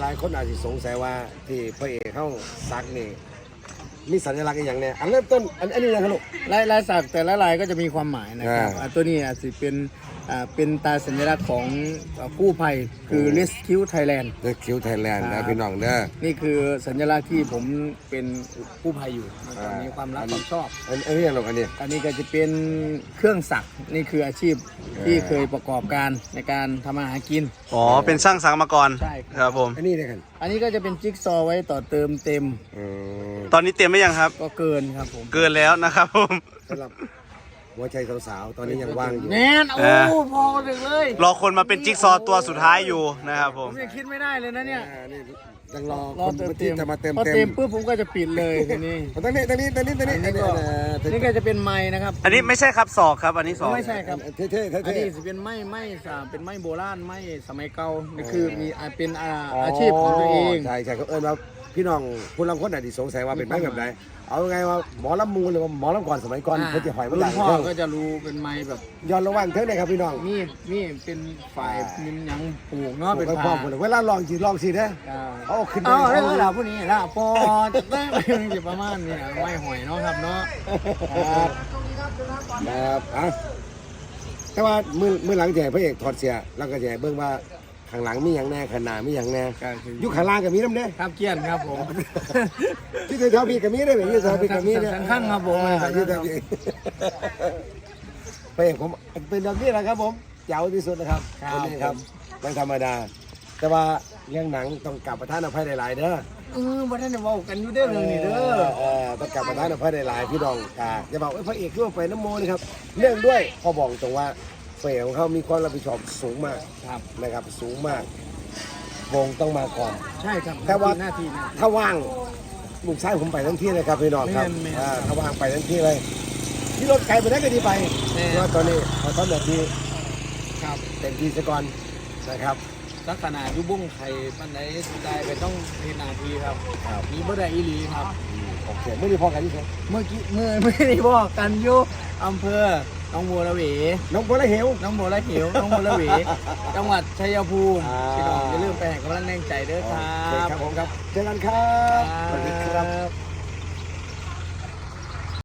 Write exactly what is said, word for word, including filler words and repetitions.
หลายๆคนอาจจะสงสัยว่าที่พระเอกเข้าซักนี่มีสัญลักษณ์อย่างเนี้ยอันเริ่มต้นอันอันนี้นะครับลูกลายลายสักแต่ละลายก็จะมีความหมายนะครับอ่าอ่าตัวนี้อาจจะเป็นอ่าเป็นตาสัญลักษณ์ของอ่ากู้ภัยคือ Rescue Thailand เดอะคิวไทยแลนด์ครันะบพี่น้องเด้อนี่คือสัญลักษณ์ที่ผมเป็นกู้ภัยอยู่มันก็อ่ามีมีความรักความชอบอันอันนี้อย่างลูกอันนี้อันนี้ก็จะเป็นเครื่องสักนี่คืออาชีพที่เคยประกอบการในการทำอาหารกินอ๋อเป็นช่างสังมาก่อนใช่ครับครับผมอันนี้เนี่ยกันอันนี้ก็จะเป็นจิ๊กซอว์ไว้ต่อเติมเต็มเออตอนนี้เต็มไหมยังครับก็เกินครับผมเกินแล้วนะครับผมสำหรับหัวใจสาวๆตอนนี้ยังว่างอยู่แน่นโอ้เออพอถึงเลยรอคนมาเป็นจิ๊กซอว์ตัวสุดท้ายอยู่นะครับผผม มยังคิดไม่ได้เลยนะเนี่ยอ่านี่ยังรอรอคนเติมที่เต็มจะมาเติมพอเต็เต็มมปุ๊บผมก็จะปิดเลยทีนี้ตอนนี้ตอนนี้ตอนนี้ตอนนี้อันนี้ก็อันนี่ก็จะเป็นไม้นะครับอันนี้ไม่ใช่ครับศอกครับอันนี้ศอกไม่ใช่ครับเท่ๆเท่ๆอันเท่นี้จะเป็นไม้ไม้อ่าเป็นไม้โบราณไม้สมัยเก่านี่คือมีอ่าเป็นอ่าอาชีพของตัวเองใช่ใช่เขาเอิ้นว่าพี่น้องผู้ลังคนอาจจะสงสัยว่าเป็นไม้แบบไหนเอาไงว่าหมอลำมูลหรือว่าหมอลำก่อนสมัยก่อนอ่าเพื่อจะหอยมันรุ่ดันงพ่อเท่าก็จะรู้เป็นไม้แบบย้อนระหว่างเท่าไหร่ครับพี่น้องมีมีเป็นฝ่ายมีหยังปลูกเนาะเป็นพ่ผ้าอผมเวลาลองจีลองสินะอ่าเอาขึ้นไปเอาเอาเรื่องราวพวกนี้ละปอจะได้อยู่ประมาณนี้นะไม้หอยเนาะครับเนาะครับครับอ่ะแต่ว่ามือมือหลังแจกพระเอกถอดเสียแล้วก็แจกเบิ่งว่าข้างหลังมีอย่างแน่ข้างหน้ามีอย่างแน่ก็คือยุคข้างล่างก็มีน้ำเน่ครับเกี้ยนครับผมที่เท้าพี่ก็มีได้แบบที่เท้าพี่ก็มีเนี่ยสันข้างครับผมอ่าที่เท้าพี่พระเอกผมเป็นแบบนี้แหละครับผมเจ๋วที่สุดนะครับคนนี้ครับไม่ธรรมดา แต่ว่าเรื่องหนังต้องกลับประทานอภัยหลายๆเด้อเออบ่ทันได้เว้ากันอยู่เด้อเรื่องนี้เด้อเออต้องกลับประทานอภัยหลายๆพี่น้องกาจะบอกว่าพระเอกร่วมไปน้ำโมนะครับเรื่องด้วยพอบอกตรงว่าพระเอกของเขามีความรับผิดชอบสูงมากครับนะครับสูงมากวงต้องมาก่อนใช่ครับแต่ว่าหน้าที่หน้าที่ถ้าว่างลูกชายผมไปทั้งที่เลยครับพี่น้องครับแม่นแม่นอ่าถ้าว่างไปทั้งที่เลยที่รถไกลไปได้ก็ดีไปแม่นเพราะว่าตอนนี้ขอต้อนแบบที่ครับเต็มที่ซะก่อนนะครับลักษณะอยุบุ้งไข่ปันไหนสุดได้ไปต้องเฮ็ดหนาทีครับครับมีบ่ได้อีหลีครับโอเคไม่ได้พอกันที่ไหนเมื่อกี้เมื่อไม่ได้บอกกันอยู่อำเภอหน้องบัวระเวน้องโบละเหวหน้องบัวระเหวหน้องบัวระเว จังหวัดชัยภูมิอ่าพี่น้องอย่าลืมไปให้กำลังแรงใจเด้อครัโอเคบครับผมครับเจอกันครับสวัสดีครับครับ